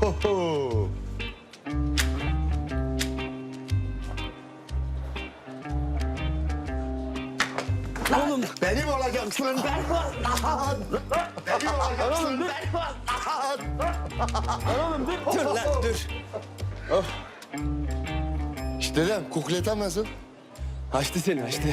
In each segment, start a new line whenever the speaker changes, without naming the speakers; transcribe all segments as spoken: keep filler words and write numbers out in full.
Oho.
Oğlum
Benim olacaksın ben. Benim olacaksın ben.
oğlum dur. Dur lan dur.
İşte dedem kukletam nasıl?
Açtı seni açtı.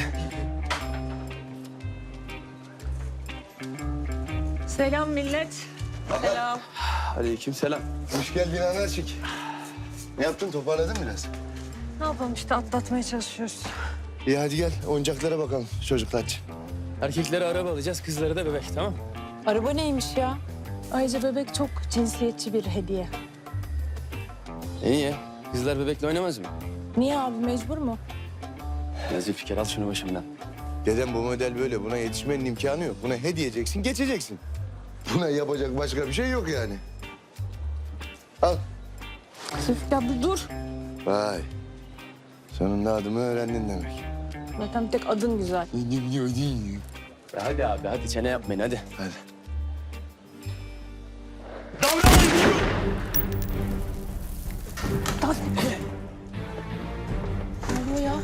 Selam millet. Selam.
Aleyküm selam.
Hoş geldin anacık. Ne yaptın, toparladın biraz?
Ne yapalım işte atlatmaya çalışıyoruz.
İyi hadi gel oyuncaklara bakalım çocuklar.
Erkeklere araba alacağız, kızlara da bebek, tamam?
Araba neymiş ya? Ayrıca bebek çok cinsiyetçi bir hediye.
İyi ya. Kızlar bebekle oynamaz mı?
Niye abi, mecbur mu?
Nazif fikir, al şunu başımdan.
Dedem bu model böyle, buna yetişmenin imkanı yok. Buna he diyeceksin, geçeceksin. Buna yapacak başka bir şey yok yani. Al.
Zülfikar bir dur.
Vay. Sonunda adımı öğrendin demek.
Zaten bir tek adın güzel.
Ya hadi abi, hadi çene yapmayın, hadi.
Hadi.
Ne oluyor ya?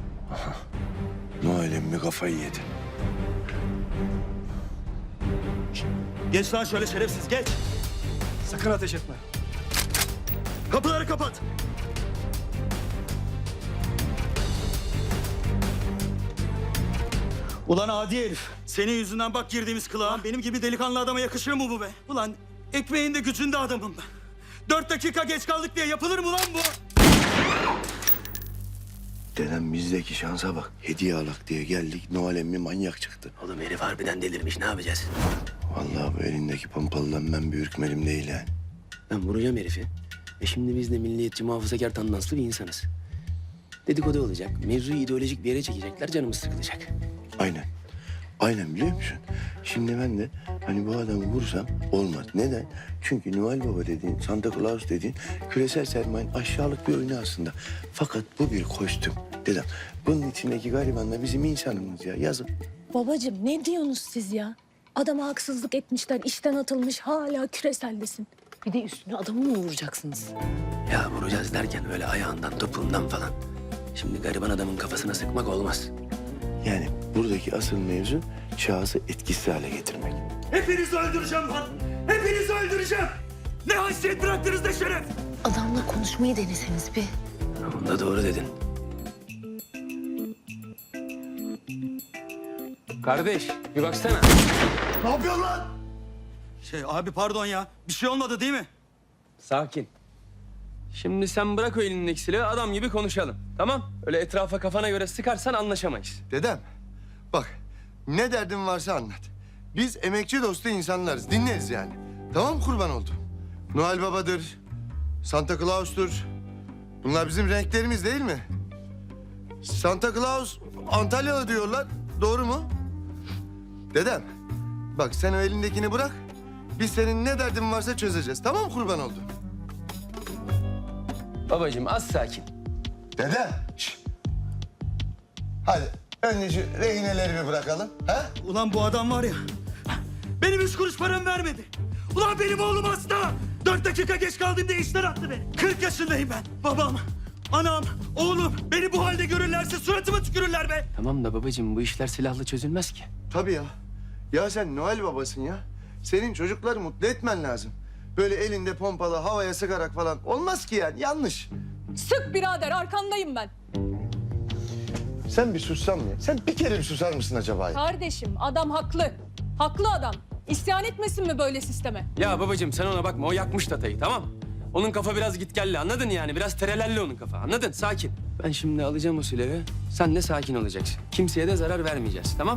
Noel emmi kafayı yedi.
Geç lan şöyle şerefsiz geç.
Sakın ateş etme.
Kapıları kapat. Ulan adi herif. Senin yüzünden bak girdiğimiz kılığa. Benim gibi delikanlı adama yakışır mı bu be? Ulan ekmeğinde gücünde adamım ben. Dört dakika geç kaldık diye yapılır mı lan bu?
Dedem bizdeki şansa bak. Hediye alak diye geldik. Noel emmi manyak çıktı.
Oğlum herif harbiden delirmiş, ne yapacağız?
Vallahi bu elindeki pompalıdan ben bir ürkmedim değil yani.
Ben vuracağım herifi. E şimdi biz de milliyetçi, muhafazakar, tandanslı bir insanız. Dedikodu olacak, mevzuyu ideolojik bir yere çekecekler, canımız sıkılacak.
Aynen. Aynen biliyor musun? Şimdi ben de hani bu adamı vursam olmaz. Neden? Çünkü Noel Baba dediğin, Santa Claus dediğin küresel sermayenin aşağılık bir oyunu aslında. Fakat bu bir kostüm. Dedem, bunun içindeki gariban da bizim insanımız ya. Yazın.
Babacığım ne diyorsunuz siz ya? Adama haksızlık etmişler, işten atılmış, hala küreseldesin. Bir de üstüne adamı mı vuracaksınız?
Ya vuracağız derken öyle ayağından, topuğundan falan. Şimdi gariban adamın kafasına sıkmak olmaz.
Yani buradaki asıl mevzu şahsı etkisiz hale getirmek.
Hepinizi öldüreceğim lan. Hepinizi öldüreceğim. Ne haysiyet bıraktınız ne şeref.
Adamla konuşmayı deneseniz bir.
Onu da doğru dedin. Kardeş, bir baksana.
Ne yapıyorsun lan? Şey abi pardon ya. Bir şey olmadı değil mi?
Sakin. Şimdi sen bırak o elindeki silahı, adam gibi konuşalım. Tamam? Öyle etrafa kafana göre sıkarsan anlaşamayız.
Dedem, bak ne derdin varsa anlat. Biz emekçi dostu insanlarız, dinleriz yani. Tamam kurban oldum. Noel Baba'dır, Santa Claus'tur. Bunlar bizim renklerimiz değil mi? Santa Claus Antalyalı diyorlar, doğru mu? Dedem, bak sen o elindekini bırak. Biz senin ne derdin varsa çözeceğiz, tamam kurban oldum?
Babacığım az sakin.
Dedem, şş. Hadi önce şu rehineleri bir bırakalım, ha?
Ulan bu adam var ya. Benim üç kuruş paramı vermedi. Ulan benim oğlum hasta. Dört dakika geç kaldım diye işten attı beni. Kırk yaşındayım ben. Babam, anam, oğlum beni bu halde görürlerse suratıma tükürürler be.
Tamam da babacığım bu işler silahla çözülmez ki.
Tabii ya. Ya sen Noel Babasın ya. Senin çocukları mutlu etmen lazım. Böyle elinde pompalı havaya sıkarak falan olmaz ki yani, yanlış.
Sık birader, arkandayım ben.
Sen bir sussan mı ya? Sen bir kere bir susar mısın acaba ya?
Kardeşim, adam haklı. Haklı adam. İsyan etmesin mi böyle sisteme?
Ya babacığım sen ona bakma, o yakmış tatayı, tamam? Onun kafa biraz gitgelli, anladın yani? Biraz terelelli onun kafa, anladın? Sakin. Ben şimdi alacağım o silahı, sen de sakin olacaksın. Kimseye de zarar vermeyeceğiz, tamam?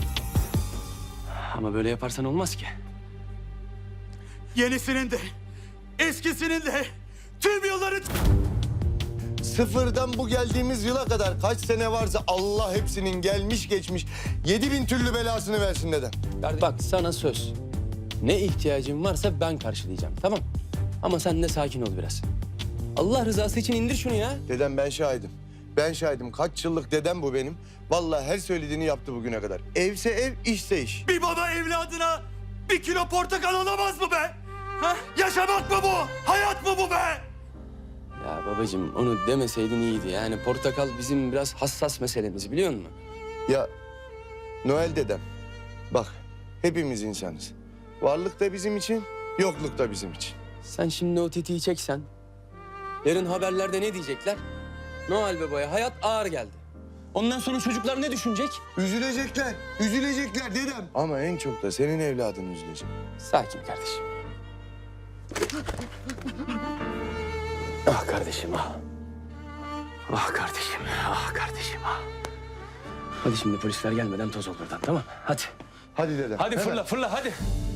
Ama böyle yaparsan olmaz ki.
Yenisinin de, eskisinin de, tüm yılların...
Sıfırdan bu geldiğimiz yıla kadar kaç sene varsa Allah hepsinin gelmiş geçmiş yedi bin türlü belasını versin dedem.
Bak sana söz. Ne ihtiyacın varsa ben karşılayacağım, tamam? Ama sen de sakin ol biraz. Allah rızası için indir şunu ya.
Dedem ben şahidim. Ben şahidim. Kaç yıllık dedem bu benim. Vallahi her söylediğini yaptı bugüne kadar. Evse ev, işse iş.
Bir baba evladına bir kilo portakal alamaz mı be? Ha? Yaşamak mı bu? Hayat mı bu be?
Ya babacığım onu demeseydin iyiydi. Yani portakal bizim biraz hassas meselemiz biliyor musun?
Ya Noel dedem, bak hepimiz insanız. Varlık da bizim için, yokluk da bizim için.
Sen şimdi o tetiği çeksen, yarın haberlerde ne diyecekler? Noel Baba'ya hayat ağır geldi. Ondan sonra çocuklar ne düşünecek?
Üzülecekler, üzülecekler dedem. Ama en çok da senin evladın üzülecek.
Sakin kardeşim. Ah kardeşim ah. Ah kardeşim, ah kardeşim ah. Hadi şimdi polisler gelmeden toz ol buradan tamam mı? Hadi.
Hadi dedem.
Hadi
hemen.
fırla fırla hadi.